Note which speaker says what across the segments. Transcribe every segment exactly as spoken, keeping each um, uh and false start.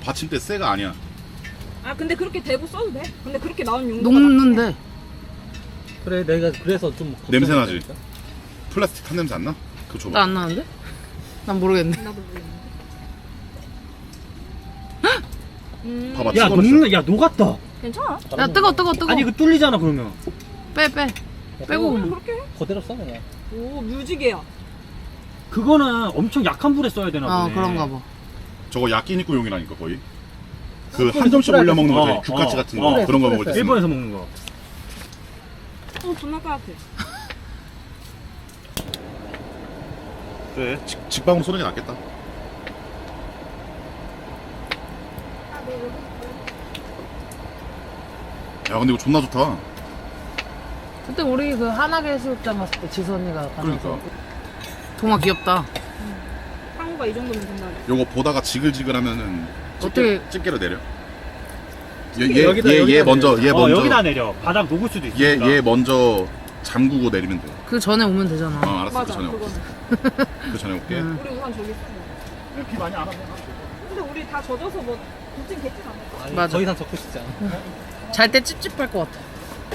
Speaker 1: 받침대 쇠가 아니야.
Speaker 2: 아 근데 그렇게 대고 써도 돼. 근데 그렇게 나온 용도가
Speaker 3: 녹는데.
Speaker 4: 그래 내가 그래서 좀
Speaker 1: 냄새 나지?
Speaker 4: 걱정이니까.
Speaker 1: 플라스틱 탄 냄새 안 나? 그거 줘봐.
Speaker 3: 나 안 나는데? 난 모르겠네.
Speaker 2: 나도 모르겠는데. 음,
Speaker 1: 봐봐.
Speaker 4: 야
Speaker 1: 찍어놨어.
Speaker 4: 녹는 야 녹았다.
Speaker 2: 괜찮아.
Speaker 3: 야 뜨거 뜨거 뜨거.
Speaker 4: 아니 이거 뚫리잖아 그러면.
Speaker 3: 빼 빼. 빼고.
Speaker 2: 그냥 그렇게 해.
Speaker 4: 그대로 써 그냥.
Speaker 2: 오 뮤직이야.
Speaker 4: 그거는 엄청 약한 불에 써야 되나
Speaker 3: 어
Speaker 4: 보네.
Speaker 3: 그런가 봐.
Speaker 1: 저거 야끼니꾸용이라니까 거의. 그
Speaker 4: 어,
Speaker 1: 한 점씩
Speaker 4: 그래,
Speaker 1: 올려 먹는 거,
Speaker 4: 어,
Speaker 1: 저기 규카치
Speaker 4: 어,
Speaker 1: 같은 거
Speaker 4: 어.
Speaker 1: 그런 거 먹을 때. 쓰는 거.
Speaker 4: 일본에서 먹는 거.
Speaker 2: 어 존나 까맣게.
Speaker 1: 그래. 직, 직방으로 쏘는 게 낫겠다. 야 근데 이거 존나 좋다.
Speaker 3: 그때 우리 그 한화계 해수욕장 갔을 때 지수 언니가 가서.
Speaker 1: 그러니까.
Speaker 3: 동화 귀엽다.
Speaker 2: 상호가 이 정도면 된다.
Speaker 1: 요거 보다가 지글지글하면은
Speaker 3: 어떻게-
Speaker 1: 집게, 집게로 내려.
Speaker 2: 집게
Speaker 1: 얘
Speaker 4: 여기다,
Speaker 1: 얘 얘
Speaker 4: 여기다
Speaker 1: 먼저
Speaker 4: 내려.
Speaker 1: 얘
Speaker 4: 어,
Speaker 1: 먼저
Speaker 4: 여기다 내려. 바닥 녹을 수도 있으니까.
Speaker 1: 얘 얘 먼저 잠그고 내리면 돼.
Speaker 3: 그 전에 오면 되잖아.
Speaker 1: 어 알았어. 그
Speaker 2: 맞아
Speaker 1: 전에 올게.
Speaker 2: 그거는.
Speaker 1: 그 전에 올게.
Speaker 3: 응.
Speaker 2: 우리 우산 저기 있어.
Speaker 4: 비 많이 안 왔네.
Speaker 2: 근데 우리 다 젖어서 뭐 굳진 개진 않을 거야.
Speaker 3: 맞아.
Speaker 4: 더 이상 적고 싶지 않아.
Speaker 3: 잘 때 찝찝할 것 같아.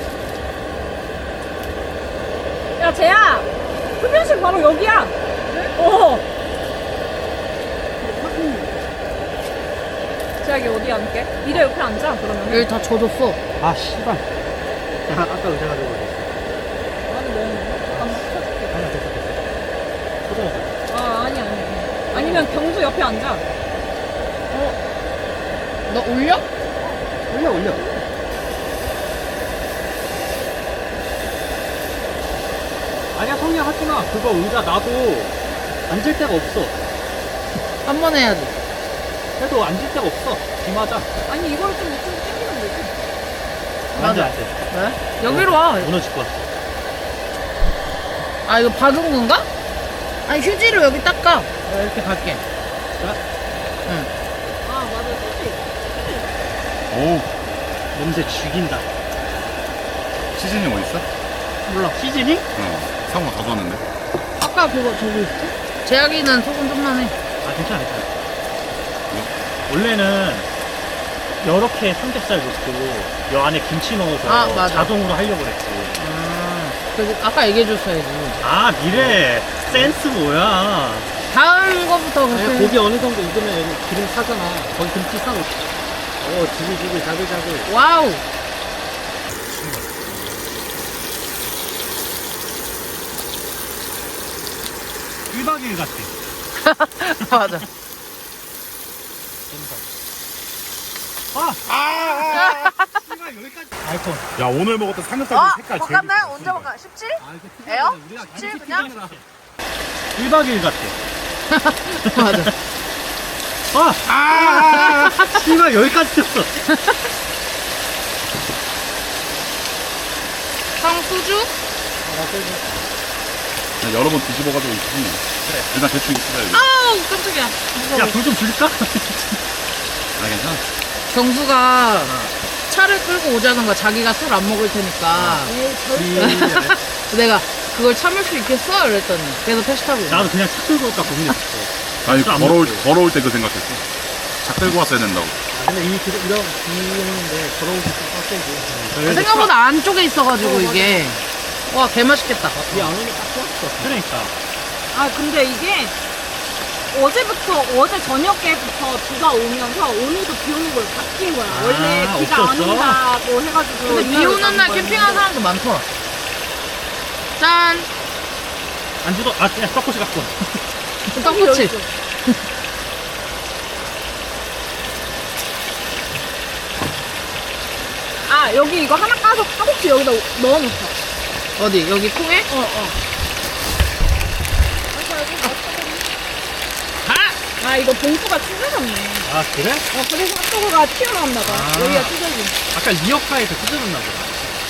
Speaker 2: 야 쟤야 흡연실 바로 여기야. 어. 쟤야 여기 어디 앉게? 이래 옆에 앉아 그러면.
Speaker 3: 여기 다 젖었어.
Speaker 4: 아 씨발. 야 아까 의자가 되고 있어.
Speaker 2: 아니 뭐 잠깐만 펴줄게.
Speaker 4: 아니야 됐어 됐어. 초등학교.
Speaker 2: 아 아니 아니. 아니면 경수 옆에 앉아.
Speaker 3: 너 올려?
Speaker 4: 올려 올려. 아니야 성냥 하지 마. 그거 의자 나도 앉을 데가 없어.
Speaker 3: 한 번 해야지.
Speaker 4: 그래도 앉을 데가 없어. 비 맞아.
Speaker 2: 아니 이거를 좀 이쪽으로 당기면 되지.
Speaker 4: 앉아 앉아.
Speaker 3: 왜? 여기로 와.
Speaker 4: 무너질 것 같아.
Speaker 3: 아 이거 박은 건가? 아니 휴지로 여기 닦아. 내가 이렇게 갈게. 응.
Speaker 2: 아 맞아 그치.
Speaker 1: 오
Speaker 4: 냄새 죽인다.
Speaker 1: 시즌이 어디 있어?
Speaker 3: 몰라.
Speaker 4: 시즈닝?
Speaker 1: 어 상호가 가져왔는데.
Speaker 3: 아까 그거 저기 있지? 제약이는 소금 좀만 해.
Speaker 4: 아 괜찮아 괜찮아. 원래는 이렇게 삼겹살 넣고 여 안에 김치 넣어서
Speaker 3: 아, 맞아.
Speaker 4: 자동으로 하려고 그랬지.
Speaker 3: 아, 그 아까 얘기해줬어야지.
Speaker 4: 아 미래 센스 뭐야.
Speaker 3: 다음 거부터 그렇게.
Speaker 4: 고기 어느 정도 익으면 여기 기름 사잖아. 거기 김치 싸고. 어 지글지글 자글자글.
Speaker 3: 와우.
Speaker 4: 일박 이일 같아.
Speaker 3: 맞아.
Speaker 4: 아! 아! 아! 씨발 여기까지. 아이콘.
Speaker 1: 야 오늘 먹었던 삼겹살
Speaker 3: 어?
Speaker 1: 색깔 제일
Speaker 3: 볶았네?
Speaker 1: 이쁘다,
Speaker 3: 언제
Speaker 1: 진짜.
Speaker 3: 먹까? 십칠?
Speaker 4: 아, 이거
Speaker 3: 에어?
Speaker 4: 우리가
Speaker 3: 십칠
Speaker 4: 이렇게
Speaker 3: 그냥?
Speaker 4: 튀겨내라. 일박 이일 같아.
Speaker 3: 맞아.
Speaker 4: 아! 아! 씨발 여기까지 튀었어.
Speaker 3: 형 소주?
Speaker 1: 야, 여러 번 뒤집어가지고 있지. 그래. 일단 대충 있어야지.
Speaker 3: 아우 깜짝이야.
Speaker 4: 야 불 좀 줄까?
Speaker 1: 아 괜찮아.
Speaker 3: 경수가 차를 끌고 오자는 거야. 자기가 술 안 먹을 테니까. 내가 그걸 참을 수 있겠어? 이랬더니 그래서 택시 타고
Speaker 4: 나도 그냥 차 끌고 올까 고민했어.
Speaker 1: 아니
Speaker 4: 술안
Speaker 1: 걸어올
Speaker 4: 먹고.
Speaker 1: 걸어올 때 그 생각했어. 작 들고 왔어야 된다고.
Speaker 4: 아, 근데 이미 그, 이런 비오는데 걸어오기 좀 빡세고.
Speaker 3: 생각보다 안쪽에 있어가지고 이게 와 개맛있겠다.
Speaker 4: 비안 오니까 딱 좋았어. 그러니까.
Speaker 2: 아 근데 이게 어제부터 어제 저녁에부터 비가 오면서 오늘도 비 오는 걸 바뀐 거야.
Speaker 4: 아,
Speaker 2: 원래 비가 안
Speaker 4: 없었어?
Speaker 2: 온다고 해가지고.
Speaker 3: 근데 비 오는 날 캠핑하는 사람도 많더라. 짠!
Speaker 4: 안 주도 아 그냥 떡꼬치 갖고 와.
Speaker 3: 떡꼬치.
Speaker 2: 아 여기 이거 하나 까서 떡꼬치 여기다 넣어놓자.
Speaker 3: 어디? 여기 통에?
Speaker 2: 어 어.
Speaker 3: 아!
Speaker 2: 아 이거 봉투가 찢어졌네.
Speaker 4: 아 그래?
Speaker 2: 어 그래서 핫도그가 튀어나왔나 봐.
Speaker 4: 아.
Speaker 2: 여기가 찢어진.
Speaker 4: 아까 리어카에서 찢어졌나 보다.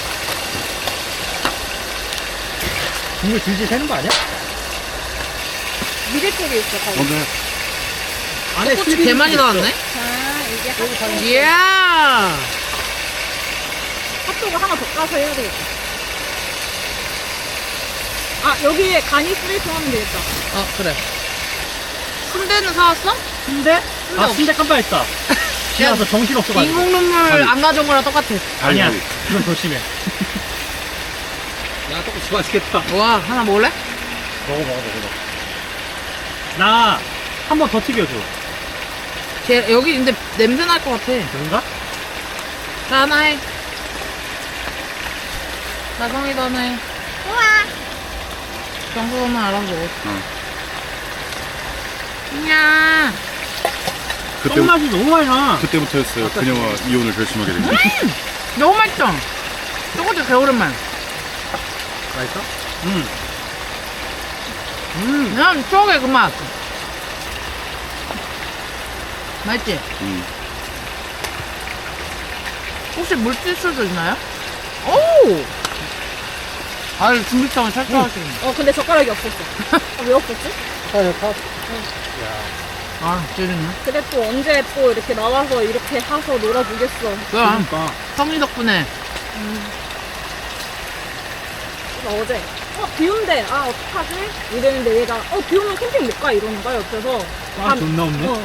Speaker 4: 국물 질질 새는 거 아니야?
Speaker 2: 미래 쪽에 있어. 거기.
Speaker 1: 근데
Speaker 4: 안에
Speaker 3: 떡꼬치
Speaker 4: 실비김치
Speaker 3: 개 많이
Speaker 4: 있어.
Speaker 3: 나왔네?
Speaker 2: 자 이게 핫도그.
Speaker 3: 이야!
Speaker 2: 핫도그 하나 더 까서 해야 되겠다. 아 여기에 간이 쓰레기통 하면 되겠다.
Speaker 3: 어, 그래. 순대는 사왔어?
Speaker 4: 순대?
Speaker 3: 순대
Speaker 4: 아
Speaker 3: 없-
Speaker 4: 순대 깜빡했다. 집에 와서 정신 없어가지고.
Speaker 3: 인공 눈물
Speaker 1: 아니.
Speaker 3: 안 가져온 거랑 똑같아.
Speaker 4: 아니야.
Speaker 1: 아니,
Speaker 4: 그건 더 심해. 야, 떡볶이 맛있겠다.
Speaker 3: 와, 하나 먹을래?
Speaker 4: 먹어, 먹어, 먹어. 먹어. 나, 한 번 더 튀겨줘.
Speaker 3: 걔, 여기 근데 냄새 날 것 같아.
Speaker 4: 그런가?
Speaker 3: 자, 하나 해. 나성이도 하나 해. 우와! 정수는 알아서 먹어.
Speaker 1: 응.
Speaker 3: 야
Speaker 1: 그때,
Speaker 4: 떡맛이 너무 많이 나.
Speaker 1: 그때부터였어요. 그녀와 이혼을 결심하게 된 게.
Speaker 3: 너무 맛있죠? 저것도 개오랜만.
Speaker 4: 맛있어? 응.
Speaker 3: 음, 그냥 추억의 그 맛. 맛있지?
Speaker 1: 음.
Speaker 3: 혹시 물티슈도 있나요? 오! 아, 준비성을 철저하시네.
Speaker 2: 어 근데 젓가락이 없었어. 아, 왜 없었지?
Speaker 4: 아, 야, 다.
Speaker 3: 아, 찌르네.
Speaker 2: 그래 또 언제 또 이렇게 나와서 이렇게 하서 놀아주겠어.
Speaker 3: 그럼,
Speaker 4: 그러니까.
Speaker 3: 성이 덕분에.
Speaker 2: 나 어제 어 비 온대. 아 어떡하지? 이랬는데 얘가 어 비 오면 캠핑 못 가 이러는 거야 옆에서.
Speaker 4: 아, 존나 없네.
Speaker 2: 어.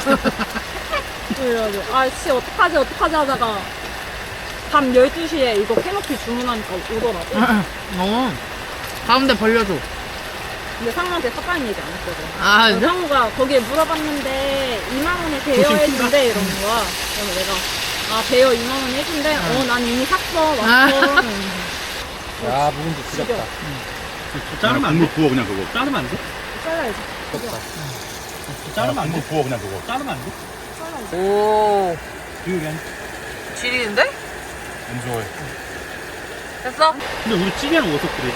Speaker 2: 그래가지고 아씨 어떡하지 어떡하지 하다가 밤 열두 시에 이거 캐노피 주문하니까 오더라고.
Speaker 3: 어. 가운데 벌려줘.
Speaker 2: 근데 상무한테 샀다는 얘기 안 했거든.
Speaker 3: 아,
Speaker 2: 그래서
Speaker 3: 진짜?
Speaker 2: 상무가 거기에 물어봤는데 이만 원에 대여해준대 이러는 거야. 그래서 내가 아 대여 이만 원 해준대. 어 난 이미 샀어 왔어.
Speaker 4: 야, 묵은지
Speaker 2: 지겹다.
Speaker 4: 지겹다.
Speaker 1: 그냥
Speaker 4: 자르면 안
Speaker 1: 국물
Speaker 4: 돼?
Speaker 1: 부어, 그냥 그거.
Speaker 4: 자르면 안 돼?
Speaker 2: 잘라야지.
Speaker 4: 자르면 안
Speaker 1: 국물
Speaker 4: 돼?
Speaker 1: 부어, 그냥 그거.
Speaker 4: 자르면 안 돼?
Speaker 2: 잘라야지.
Speaker 3: 오.
Speaker 4: 비율이 한.
Speaker 3: 지리는데?
Speaker 1: 안 좋아해.
Speaker 3: 됐어?
Speaker 4: 근데 우리 찌개는 어디서 그래?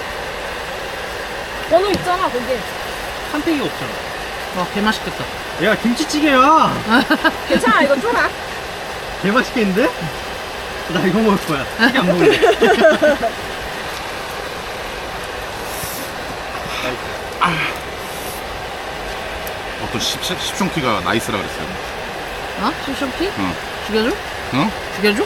Speaker 2: 번호 있잖아 거기에.
Speaker 4: 한팩이 없잖아.
Speaker 3: 와, 개맛있겠다.
Speaker 4: 야, 김치찌개야.
Speaker 2: 괜찮아 이거 쪼라.
Speaker 4: 개 맛있겠는데? 나 이거 먹을 거야. 찌개 안 먹을래.
Speaker 1: 어떤 십, 십, 십숑키가 나이스라 그랬어요.
Speaker 3: 어? 쇼쇼피?
Speaker 1: 응.
Speaker 3: 죽여줘?
Speaker 1: 어?
Speaker 3: 죽여줘?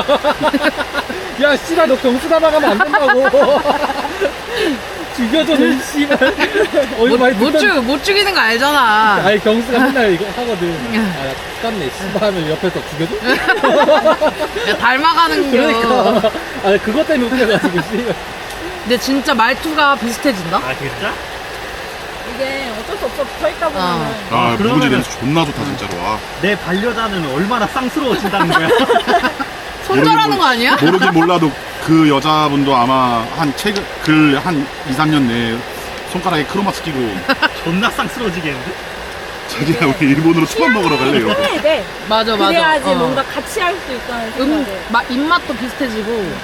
Speaker 4: 야, 씨발, 너 경수 나가면 안 된다고. 죽여줘, 너 씨발. 어이,
Speaker 3: 못,
Speaker 4: 많이
Speaker 3: 못,
Speaker 4: 듣던-
Speaker 3: 죽, 못 죽이는 거 알잖아.
Speaker 4: 아니, 경수가 맨날 이거 하거든. 아, 야, 깠네. 씨발 하면 옆에서 죽여줘?
Speaker 3: 야, 닮아가는 거.
Speaker 4: 그러니까. 아, 그것 때문에 웃겨가지고, 씨발.
Speaker 3: 근데 진짜 말투가 비슷해진다?
Speaker 4: 아, 진짜?
Speaker 2: 이게 어쩔 수 없어 붙어있다 보면은.
Speaker 1: 아,
Speaker 4: 그러면은-
Speaker 1: 묵은지 냄새 존나 좋다, 진짜로. 아.
Speaker 4: 내 반려자는 얼마나 쌍스러워진다는 거야.
Speaker 3: 손절하는 거 아니야?
Speaker 1: 모르긴 몰라도 그 여자분도 아마 한 최근, 글 한 이, 삼 년 내에 손가락에 크로마스 끼고
Speaker 4: 존나 쌍스러워지겠는데?
Speaker 2: 이게
Speaker 1: 자기야, 우리 일본으로 처음 먹으러 갈래? 이러고.
Speaker 2: 해야 돼.
Speaker 3: 맞아, 맞아.
Speaker 2: 그래야지
Speaker 3: 어.
Speaker 2: 뭔가 같이 할 수 있다는
Speaker 3: 음,
Speaker 2: 생각에.
Speaker 3: 마, 입맛도 비슷해지고.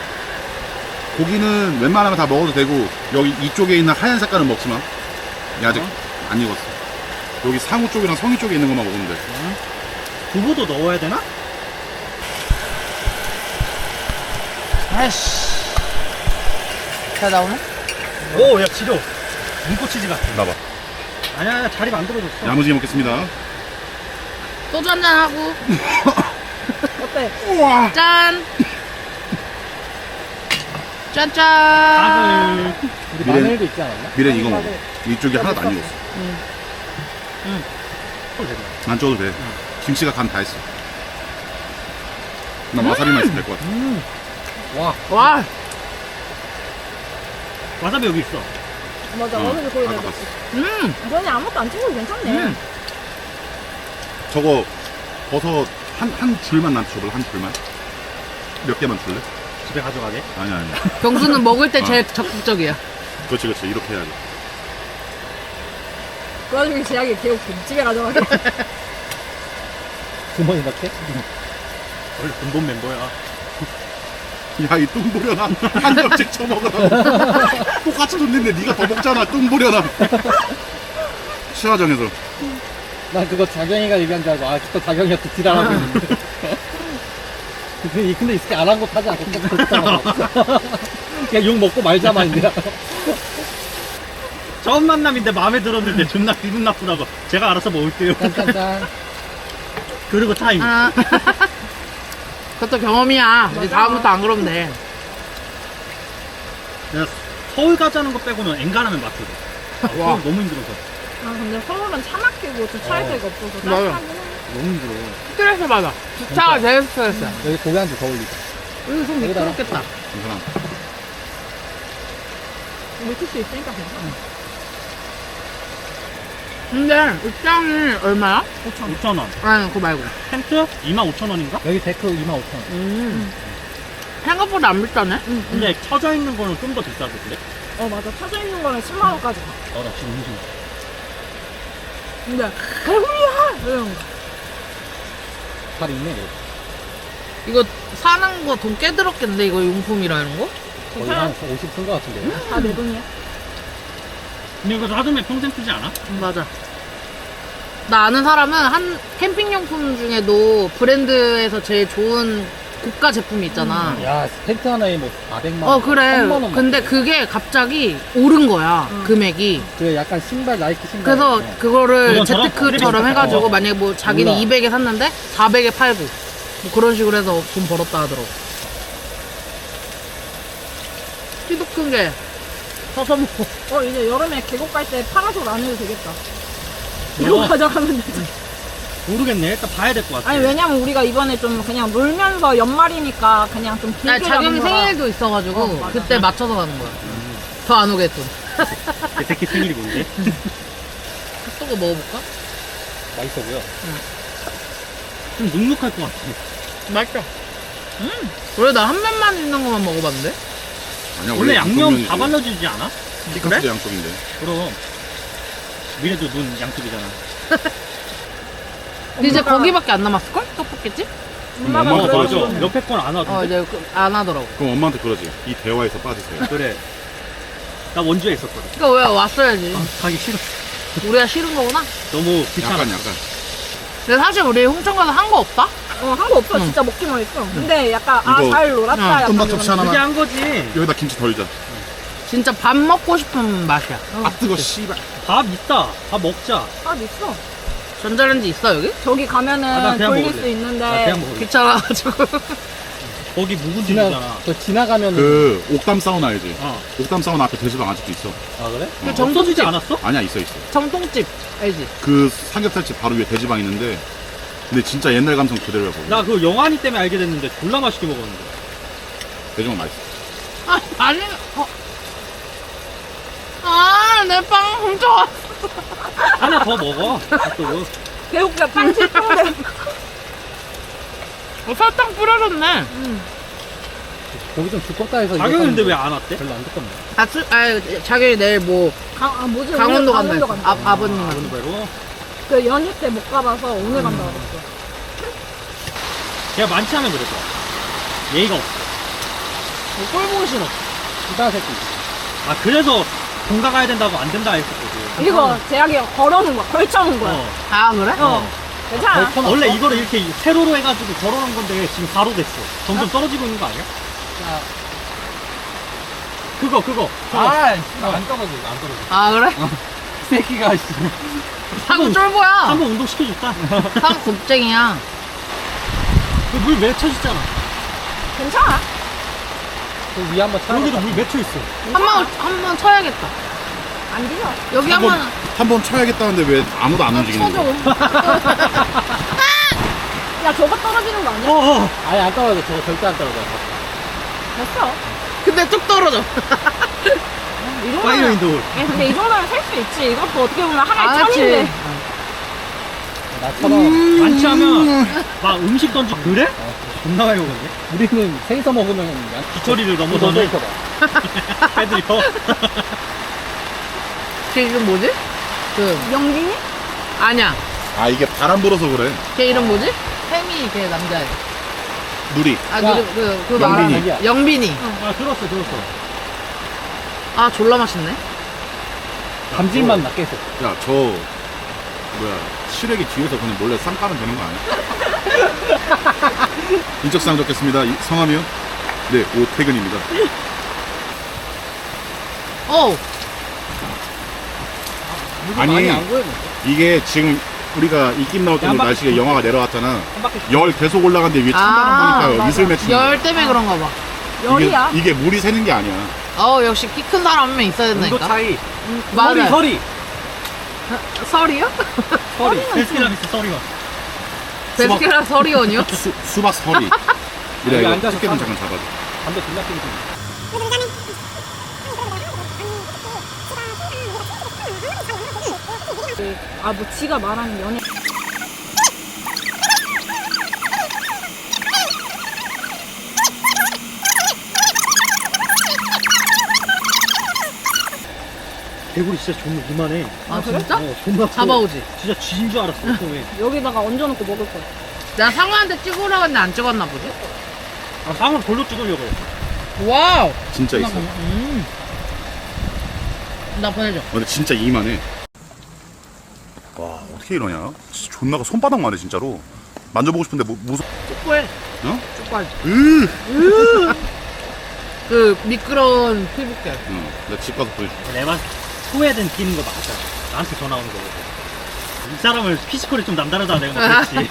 Speaker 1: 고기는 웬만하면 다 먹어도 되고, 여기 이쪽에 있는 하얀 색깔은 먹지 마. 얘 아직 안 익었어. 여기 상우 쪽이랑 성이 쪽에 있는 것만 먹으면 돼.
Speaker 4: 두부도 넣어야 되나?
Speaker 3: 아이씨. 잘 나오네?
Speaker 4: 오, 야, 지려. 눈꽃치즈 같아.
Speaker 1: 나봐.
Speaker 4: 아니야, 아니야, 자리 만들어줬어.
Speaker 1: 야무지게 먹겠습니다.
Speaker 3: 소주 한잔 하고.
Speaker 2: 어때?
Speaker 1: 우와!
Speaker 3: 짠! 짠짠!
Speaker 4: 밥을. 우리
Speaker 1: 미래-
Speaker 4: 마늘도 있지 않았나?
Speaker 1: 미래 이거 먹어. 이쪽이 하나도 안 익었어.
Speaker 4: 또 되네.
Speaker 1: 안 쪄도 돼. 김치가 간 다 했어. 나 와사비만 있으면 될 것 같아.
Speaker 4: 음. 와,
Speaker 3: 와,
Speaker 4: 와사비 여기 있어.
Speaker 2: 맞아,
Speaker 1: 어,
Speaker 2: 어느 게 거기
Speaker 1: 아까
Speaker 2: 내가.
Speaker 1: 봤어.
Speaker 3: 음!
Speaker 2: 너네 아무것도 안 찍어도 괜찮네.
Speaker 3: 음.
Speaker 1: 저거 버섯 한, 한 줄만 나한테 줘볼래? 한 줄만? 몇 개만 줄래?
Speaker 4: 집에 가져가게.
Speaker 1: 아니, 아니.
Speaker 3: 경수는 먹을 때
Speaker 1: 어.
Speaker 3: 제일 적극적이야.
Speaker 1: 그렇지, 그렇지. 이렇게 해야지.
Speaker 2: 그 와중에 제약이 개웃김. 집에 가져가게.
Speaker 4: 주머니 넣게? 원래 근본 멤버야.
Speaker 1: 야, 이 뚱보려나. 한 점씩 쳐먹으라고. 똑같이 줬는데 네가 더 먹잖아, 뚱보려나. 시화정에서.
Speaker 4: 난 그거 자경이가 얘기한 줄 알고, 아, 또 자경이한테 지랄하고 있는데. 근데, 근데 이 새끼 안 한 거 타지 않고 그냥 욕 먹고 말자마, 이제. 처음 만남인데 마음에 들었는데 존나 기분 나쁘다고. 제가 알아서 먹을게요. 짠짠짠. 그리고 타임.
Speaker 3: 아. 그것도 경험이야. 이제 다음부터 안 그러면 돼.
Speaker 4: 내가 서울 가자는 거 빼고는 엔간하면 맞거든. 아,
Speaker 3: 와.
Speaker 4: 서울 너무 힘들어서.
Speaker 2: 아, 근데 서울은 차 막히고 주차할
Speaker 4: 어.
Speaker 2: 데가 없어서
Speaker 3: 맞아.
Speaker 2: 짜증나긴 해.
Speaker 4: 너무 힘들어.
Speaker 3: 스트레스 받아. 주차가 제일 스트레스야.
Speaker 4: 여기 고기 한 줄 더 올리자.
Speaker 3: 여기 좀
Speaker 4: 여기다가.
Speaker 3: 미끄럽겠다.
Speaker 1: 괜찮아.
Speaker 2: 물티슈 있으니까 괜찮아.
Speaker 3: 근데 입장이 얼마야?
Speaker 5: 오천 원.
Speaker 3: 아니 그거 말고.
Speaker 5: 텐트 이만 오천 원인가?
Speaker 4: 여기 데크 이만 오천 원.
Speaker 3: 음. 생각보다 안 비싸네.
Speaker 5: 근데 쳐져 있는 거는 좀 더 비싸겠는데?
Speaker 2: 어 맞아. 타져 있는 거는 십만 원까지 가.
Speaker 5: 어, 나 지금 음식.
Speaker 2: 근데 배불리야 이런 거.
Speaker 4: 잘 있네.
Speaker 3: 이거 사는 거 돈 꽤 들었겠는데 이거 용품이라 이런 거?
Speaker 4: 거의 한 오십 쓴 거 같은데.
Speaker 2: 다 내 돈이야.
Speaker 5: 근데 이거 사두면 평생 쓰지 않아?
Speaker 3: 맞아. 나 아는 사람은 한 캠핑용품 중에도 브랜드에서 제일 좋은 고가 제품이 있잖아.
Speaker 4: 야, 텐트 하나에 뭐 사백만 원.
Speaker 3: 어 그래.
Speaker 4: 삼만 원
Speaker 3: 근데
Speaker 4: 맞대.
Speaker 3: 그게 갑자기 오른 거야.
Speaker 2: 응.
Speaker 3: 금액이.
Speaker 4: 그 약간 신발 나이키 신발.
Speaker 3: 그래서
Speaker 4: 있잖아.
Speaker 3: 그거를
Speaker 5: 그건처럼
Speaker 3: 재테크처럼
Speaker 5: 비슷해.
Speaker 3: 해가지고
Speaker 5: 어.
Speaker 3: 만약에 뭐 자기는
Speaker 4: 몰라.
Speaker 3: 이백에 샀는데 사백에 팔고 뭐 그런 식으로 해서 돈 벌었다 하더라고. 키도 큰 게 서서 먹고.
Speaker 2: 어 이제 여름에 계곡 갈 때 파라솔 안 해도 되겠다. 이거
Speaker 5: 어.
Speaker 2: 가져가면 되지.
Speaker 5: 모르겠네. 일단 봐야 될 것 같아.
Speaker 2: 아니 왜냐면 우리가 이번에 좀 그냥 놀면서 연말이니까 그냥 좀 길게
Speaker 3: 아니, 자경이
Speaker 2: 가는 거라.
Speaker 3: 생일도 있어가지고
Speaker 2: 어, 맞아.
Speaker 3: 그때 맞춰서 가는 거야. 더 안 오겠군.
Speaker 5: 내 새끼 생일이 뭔데?
Speaker 3: 핫도그 먹어볼까?
Speaker 4: 맛있어 보여.
Speaker 5: 좀 눅눅할 것 같아.
Speaker 3: 맛있어. 음. 원래 나 한 면만 있는 것만 먹어봤는데.
Speaker 1: 아니야,
Speaker 5: 원래 양념
Speaker 1: 양쪽면이지.
Speaker 5: 다 발라주지 않아?
Speaker 1: 피카스도 양쪽인데.
Speaker 5: 그럼. 미래도 눈 양쪽이잖아.
Speaker 3: 이제
Speaker 2: 엄마가-
Speaker 3: 거기밖에 안 남았을걸? 떡볶이집?
Speaker 2: 엄마가
Speaker 1: 엄마가
Speaker 5: 어,
Speaker 2: 그래서
Speaker 5: 맞아.
Speaker 1: 그러시네.
Speaker 5: 옆에 건 안
Speaker 3: 어
Speaker 5: 하던데?
Speaker 3: 이제 그- 안 하더라고.
Speaker 1: 그럼 엄마한테 그러지. 이 대화에서 빠지세요.
Speaker 5: 그래. 나 원주에 있었거든.
Speaker 3: 그러니까 왜 왔어야지.
Speaker 5: 아, 가기 싫어.
Speaker 3: 우리가 싫은 거구나.
Speaker 5: 너무 귀찮아.
Speaker 1: 약간 약간.
Speaker 3: 근데 사실 우리 홍천 가서 한 거 없다?
Speaker 2: 어 한 거 없어.
Speaker 3: 응.
Speaker 2: 진짜 먹기만 했어. 근데 약간 아
Speaker 1: 이거
Speaker 2: 잘 놀았다.
Speaker 3: 응.
Speaker 2: 약간
Speaker 1: 음밥
Speaker 2: 이런
Speaker 1: 접시 하나만.
Speaker 5: 그게 한 거지.
Speaker 1: 여기다 김치 덜자.
Speaker 3: 진짜 밥 먹고 싶은 맛이야.
Speaker 1: 아 뜨거 씨발.
Speaker 5: 밥 있다. 밥 먹자.
Speaker 2: 아 있어.
Speaker 3: 전자레인지 있어 여기?
Speaker 2: 저기 가면은
Speaker 5: 아, 나 그냥
Speaker 2: 돌릴
Speaker 5: 먹을래.
Speaker 2: 수 있는데
Speaker 5: 나 그냥 먹을래.
Speaker 3: 귀찮아가지고.
Speaker 5: 거기 묵은지
Speaker 4: 지나,
Speaker 5: 주잖아.
Speaker 4: 저 지나가면은.
Speaker 1: 그 옥담 사우나 알지?
Speaker 5: 어.
Speaker 1: 옥담 사우나 앞에 돼지방 아직도 있어.
Speaker 4: 아, 그래?
Speaker 3: 그
Speaker 1: 어.
Speaker 3: 정-
Speaker 5: 없어지지 않았어?
Speaker 1: 아니야 있어 있어.
Speaker 3: 정통집 알지?
Speaker 1: 그 삼겹살집 바로 위에 돼지방 있는데. 근데 진짜 옛날 감성 그대로야 거기.
Speaker 5: 나 그 영환이 때문에 알게 됐는데 졸라 맛있게 먹었는데.
Speaker 1: 돼지방 맛있어.
Speaker 3: 아 아니 어. 아내 빵 훔쳐왔어.
Speaker 5: 하나 더 먹어. 핫도그.
Speaker 2: 배고프다. 빵칠 뻔데.
Speaker 3: 어, 설탕 뿌려졌네.
Speaker 4: 거기 좀 두껍다 해서.
Speaker 5: 자경이
Speaker 4: 이거
Speaker 5: 근데
Speaker 4: 샀는데
Speaker 5: 왜 안 왔대?
Speaker 4: 별로 안 두껍네.
Speaker 3: 아, 수, 아 자기 내일 뭐
Speaker 2: 강, 아 뭐지?
Speaker 3: 강원도
Speaker 2: 오늘
Speaker 3: 간다 했어.
Speaker 2: 간다.
Speaker 3: 아, 아버님한테.
Speaker 5: 아버님배로.
Speaker 2: 그 연휴 때 못 가봐서 오늘 간다 그랬어.
Speaker 5: 걔가 많지 않으면 그랬어. 예의가 없어.
Speaker 3: 꼴 보기 싫어.
Speaker 4: 이다 새끼.
Speaker 5: 아, 그래서 본가 가야 된다고 안 된다 했었거든.
Speaker 2: 이거 제약이 걸어놓은 거야. 걸쳐놓은 거야.
Speaker 5: 어.
Speaker 3: 아 그래?
Speaker 2: 어. 괜찮아.
Speaker 4: 걸쳐놨어?
Speaker 5: 원래 이거를 이렇게 세로로 해가지고 걸어놓은 건데 지금 가로 됐어. 점점 떨어지고 있는 거 아니야?
Speaker 4: 야,
Speaker 5: 그거, 그거. 그거.
Speaker 4: 아, 씨발, 안 떨어져, 이거 안 떨어져.
Speaker 3: 아 그래?
Speaker 4: 이 새끼가, 씨.
Speaker 3: 사고 쫄보야.
Speaker 5: 한번 운동 시켜줬다.
Speaker 3: 사고 곱쟁이야.
Speaker 5: 그 물 맺혀있잖아.
Speaker 2: 괜찮아.
Speaker 4: 그 위에 한번 차.
Speaker 5: 여기도 물 맺혀있어.
Speaker 3: 한번 한 번 쳐야겠다.
Speaker 2: 안 뒤져.
Speaker 3: 여기
Speaker 1: 한 번
Speaker 3: 한번
Speaker 1: 한 번 쳐야겠다는데 왜 아무도 안 움직이는
Speaker 2: 쳐줘.
Speaker 1: 거야?
Speaker 2: 야 저거 떨어지는 거 아니야?
Speaker 5: 어어.
Speaker 4: 아예 안 떨어져, 저거 절대 안 떨어져.
Speaker 2: 됐어.
Speaker 3: 근데 뚝 떨어져.
Speaker 2: 이
Speaker 5: 파이어
Speaker 2: 정도면.
Speaker 5: 인도울.
Speaker 2: 야, 근데 이 정도면 살 수 있지. 이것도 어떻게 보면 하나의
Speaker 3: 아, 그치.
Speaker 2: 천인데.
Speaker 4: 나처럼.
Speaker 5: 많지 하면 막 음식 던지. 그래? 존나 많이 먹었네.
Speaker 4: 우리는 생서 먹으면 그냥.
Speaker 5: 기철이를
Speaker 4: 너
Speaker 5: 넘어서는
Speaker 4: 있어봐.
Speaker 5: 빼드려.
Speaker 3: 걔 이름 뭐지? 그
Speaker 2: 영빈이?
Speaker 3: 아니야.
Speaker 1: 아 이게 바람 불어서 그래.
Speaker 3: 걔 이름 뭐지? 혜미 걔 남자애.
Speaker 1: 누리.
Speaker 3: 아
Speaker 4: 야,
Speaker 3: 그 그 그
Speaker 1: 영빈이.
Speaker 3: 말하는 영빈이.
Speaker 5: 아, 들었어, 들었어.
Speaker 3: 아 졸라 맛있네.
Speaker 4: 감질만 나 계속.
Speaker 1: 야 저 뭐야 시래기 뒤에서 그냥 몰래 쌈 까면 되는 거 아니야? 인적사항 적겠습니다. 이- 성함이요? 네 오태근입니다.
Speaker 3: 어.
Speaker 1: 아니
Speaker 4: 많이 안 구해.
Speaker 1: 이게 지금 우리가 입김 나올 때는
Speaker 5: 한 바퀴
Speaker 1: 날씨가 영하가 내려왔잖아.
Speaker 5: 한 바퀴.
Speaker 1: 열 계속 올라간데 위에 찬바람
Speaker 3: 아,
Speaker 1: 보니까
Speaker 2: 맞아.
Speaker 1: 이슬 맺히는
Speaker 3: 열
Speaker 1: 거야.
Speaker 3: 때문에 그런가 봐.
Speaker 2: 열이야.
Speaker 1: 이게, 이게 물이 새는 게 아니야.
Speaker 3: 어 역시 키 큰 사람 한 명 있어야
Speaker 5: 온도
Speaker 3: 된다니까.
Speaker 5: 차이.
Speaker 3: 맞아.
Speaker 5: 서리, 서리.
Speaker 3: 설이요?
Speaker 5: 서리. 데스티라미스 서리가.
Speaker 3: 베스킨라 서리원이요?
Speaker 1: 수, 수박 서리. 이래
Speaker 4: 여기
Speaker 1: 이거
Speaker 4: 앉아서
Speaker 1: 집게좀
Speaker 4: 사봐.
Speaker 1: 잠깐 잡아줘.
Speaker 4: 담배 졸라 피우고 있어.
Speaker 2: 아 뭐 지가 말하는 연애
Speaker 5: 개구리 진짜 존나 이만해.
Speaker 3: 아 진짜?
Speaker 5: 어, 존나 커.
Speaker 3: 잡아오지.
Speaker 5: 진짜 쥐인 줄 알았어. 처음에.
Speaker 2: 여기다가 얹어놓고 먹을 거야.
Speaker 3: 내가 상어한테 찍으라고 했는데 안 찍었나 보지?
Speaker 5: 아, 상은 돌로 찍으려고 해.
Speaker 3: 와우.
Speaker 1: 진짜 있어.
Speaker 3: 음. 나 보내줘.
Speaker 1: 근데 진짜 이만해. 와 어떻게 이러냐? 진짜 존나가 손바닥만 해 진짜로. 만져보고 싶은데 뭐, 무서.
Speaker 3: 축구해.
Speaker 1: 어?
Speaker 3: 축구하지.
Speaker 1: 으.
Speaker 3: 그 미끄러운 피부결.
Speaker 1: 응. 내가 집 가서 보여줄게.
Speaker 5: 내가 소외된 끼는 거 맞아. 나한테 전화 오는 거거든. 이 사람을 피지컬이 좀 남다르다 내가 막 그랬지.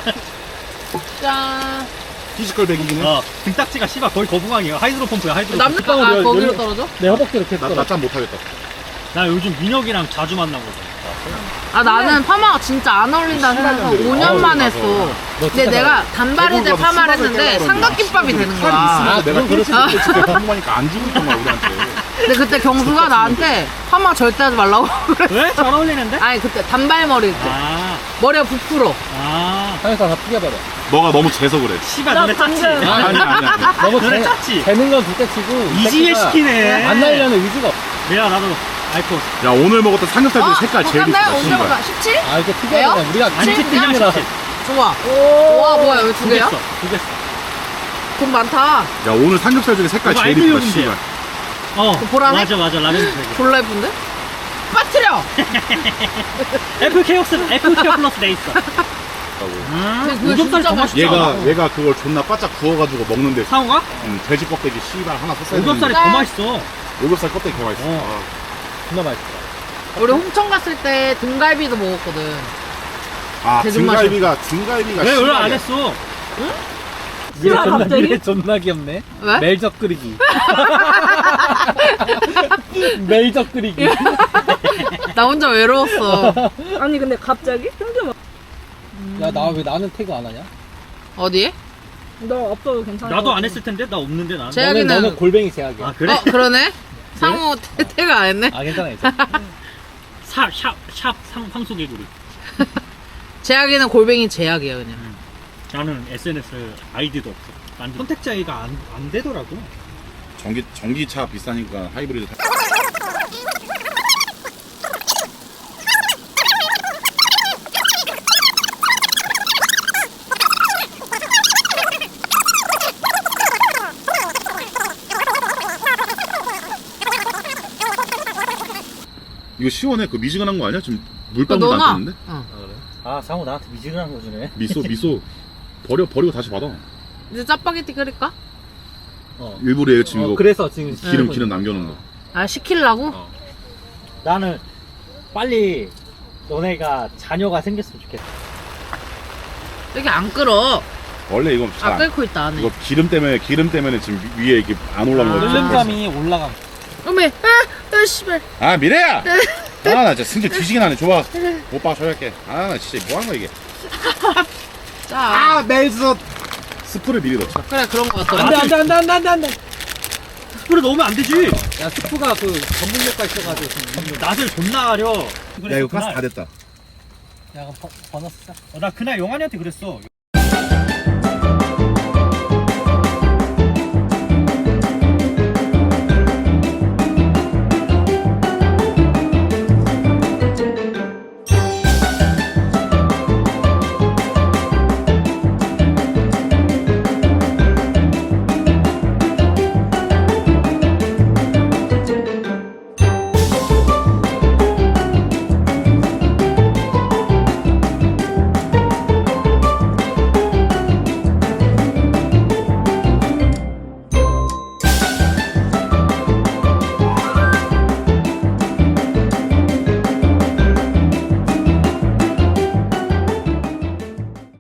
Speaker 3: 짠.
Speaker 1: 피지컬 백이긴 해.
Speaker 5: 어, 등딱지가 씨발 거의 거북왕이야. 하이드로 펌프야, 하이드로 펌프.
Speaker 3: 남자가 아,
Speaker 4: 열-
Speaker 3: 거기로
Speaker 4: 열-
Speaker 3: 떨어져?
Speaker 4: 내 허벅지 이렇게
Speaker 1: 나
Speaker 4: 떨어.
Speaker 1: 나 짠 못하겠다.
Speaker 5: 나 요즘 민혁이랑 자주 만나거든.
Speaker 3: 아 나는 파마가 진짜 안 어울린다 생각해서 오 년만
Speaker 1: 맞아.
Speaker 3: 했어. 근데
Speaker 4: 진짜
Speaker 3: 내가 단발이제
Speaker 1: 대구를 가서
Speaker 3: 파마를
Speaker 1: 수박을
Speaker 3: 했는데
Speaker 1: 깨려고
Speaker 3: 삼각김밥이
Speaker 1: 그러는데
Speaker 3: 되는
Speaker 1: 팔이
Speaker 3: 거야.
Speaker 1: 있으니까
Speaker 4: 아,
Speaker 1: 내가
Speaker 4: 그건
Speaker 1: 그렇지 그때 진짜 궁금하니까 안 주고 있던 거야 우리한테.
Speaker 3: 근데 그때 경수가 나한테 파마 절대 하지 말라고 그래.
Speaker 5: 왜? 잘 어울리는데?
Speaker 3: 아니 그때 단발머리일 때
Speaker 5: 아,
Speaker 3: 머리가 부풀어.
Speaker 5: 아.
Speaker 4: 하면서 다 튀겨버려.
Speaker 1: 너가 너무 재서 그래.
Speaker 5: 씨발,
Speaker 2: 나
Speaker 5: 너네 짰지?
Speaker 2: 방금-
Speaker 1: 아니 아니 아니. 아니.
Speaker 4: 너무
Speaker 5: 너네
Speaker 4: 재-
Speaker 5: 짰지?
Speaker 4: 재는 건 둘째 치고 이
Speaker 5: 이지혜
Speaker 4: 새끼가
Speaker 5: 시키네.
Speaker 4: 안 날려는 의지가 없어.
Speaker 5: 내가 나도 알코.
Speaker 1: 야 오늘 먹었던 삼겹살 중에 색깔 제일
Speaker 3: 근데
Speaker 1: 이쁘다.
Speaker 3: 언제
Speaker 1: 씨발.
Speaker 3: 먹어? 십칠?
Speaker 4: 아 이거
Speaker 3: 왜요?
Speaker 4: 튀겨야 돼. 우리가
Speaker 5: 아니,
Speaker 3: 칠?
Speaker 5: 그냥
Speaker 4: 튀김이라.
Speaker 5: 십칠.
Speaker 3: 좋아. 와 뭐야 여기 두
Speaker 5: 두 개
Speaker 3: 개야?
Speaker 5: 써. 두 개 써.
Speaker 3: 돈 많다.
Speaker 1: 야 오늘 삼겹살 중에 색깔
Speaker 5: 그거
Speaker 1: 제일 이쁘다.
Speaker 5: 알비용인데.
Speaker 1: 씨발.
Speaker 5: 어,
Speaker 3: 그 보라색?
Speaker 5: 맞아, 맞아. 라면 세
Speaker 3: 졸라 예쁜데? 빠뜨려!
Speaker 5: 개. 애플 케어스, 애플 케어 플러스 돼 있어. 아,
Speaker 3: 근데 그거
Speaker 5: 오겹살
Speaker 3: 진짜
Speaker 5: 더 맛있지
Speaker 1: 얘가
Speaker 5: 않아?
Speaker 1: 얘가 그걸 존나 바짝 구워가지고 먹는데
Speaker 5: 상어가?
Speaker 1: 음, 돼지 껍데기 씨발 하나 샀어야
Speaker 5: 오겹살이
Speaker 1: 되는데
Speaker 5: 더 맛있어.
Speaker 1: 오겹살 껍데기 개 맛있어.
Speaker 5: 어.
Speaker 4: 존나 맛있어.
Speaker 3: 우리 홍천 갔을 때 등갈비도 먹었거든.
Speaker 1: 아
Speaker 3: 돼지
Speaker 1: 등갈비가 등갈비가
Speaker 5: 왜 연락 안
Speaker 1: 씨발이야.
Speaker 5: 했어?
Speaker 4: 미래
Speaker 2: 야,
Speaker 4: 존나
Speaker 2: 갑자기?
Speaker 4: 미래 존나 귀엽네.
Speaker 3: 왜?
Speaker 4: 멜젓 끓이기. 멜젓 끓이기.
Speaker 3: 나 혼자 외로웠어.
Speaker 2: 아니 근데 갑자기? 뜬금
Speaker 4: 야 나 왜 나는 태그 안 하냐?
Speaker 3: 어디에?
Speaker 2: 너 없어도 괜찮아.
Speaker 5: 나도 안 했을 텐데? 나 없는데, 나는.
Speaker 3: 제-
Speaker 4: 너는
Speaker 3: 제약이는-
Speaker 4: 너는 골뱅이 제약이야.
Speaker 5: 아, 그래?
Speaker 3: 어 그러네? 상호 태태가 안 했네?
Speaker 4: 아 괜찮아 괜찮아.
Speaker 5: 샵, 샵, 샵, 상, 황소개구리.
Speaker 3: 제약이는 골뱅이 제약이야 그냥.
Speaker 5: 나는 에스엔에스 아이디도 없어. 만든 선택자가 안, 안 되더라고.
Speaker 1: 전기 전기차 비싸니까 하이브리드. 타- 이거 시원해. 그 미지근한 거 아니야? 지금
Speaker 3: 그거
Speaker 1: 물방울
Speaker 3: 넣어놔.
Speaker 1: 안 뜨는데?
Speaker 3: 어.
Speaker 4: 아 상호 나한테 미지근한 거 주네.
Speaker 1: 미소 미소 버려 버리고 다시 받아.
Speaker 3: 이제 짜파게티 끓일까?
Speaker 4: 어.
Speaker 1: 일부러 얘 지금
Speaker 4: 어,
Speaker 1: 이거
Speaker 4: 그래서 지금
Speaker 1: 기름 기름 남겨놓은 거.
Speaker 3: 아 시킬라고?
Speaker 1: 어.
Speaker 4: 나는 빨리 너네가 자녀가 생겼으면 좋겠어.
Speaker 3: 여기 안 끓어.
Speaker 1: 원래 이거
Speaker 3: 아
Speaker 1: 잘
Speaker 3: 끓고 있다 안에.
Speaker 1: 이거 기름 때문에 기름 때문에 지금 위- 위에 이게 안 올라온
Speaker 3: 아.
Speaker 1: 거지.
Speaker 4: 끓는감이 올라가.
Speaker 3: 어메 아, 아 씨발.
Speaker 1: 아 미래야. 아 나 진짜 승질 뒤지게 나네. 좋아. 오빠가 처리할게. 아 나 진짜 뭐 하는 거야 이게.
Speaker 3: 자.
Speaker 1: 아 멜젓. 스프를 미리 넣자.
Speaker 3: 그래 그런 거 같더라.
Speaker 4: 안돼 안돼 안돼 안돼 안돼 안돼.
Speaker 5: 스프를 넣으면 안 되지.
Speaker 4: 야 스프가 그 전분력가 있어가지고 지금.
Speaker 5: 낯을 존나 가려.
Speaker 1: 야 이거 가스 다 됐다.
Speaker 4: 야 그럼 버- 버너스 사.
Speaker 5: 어, 나 그날 영환이한테 그랬어.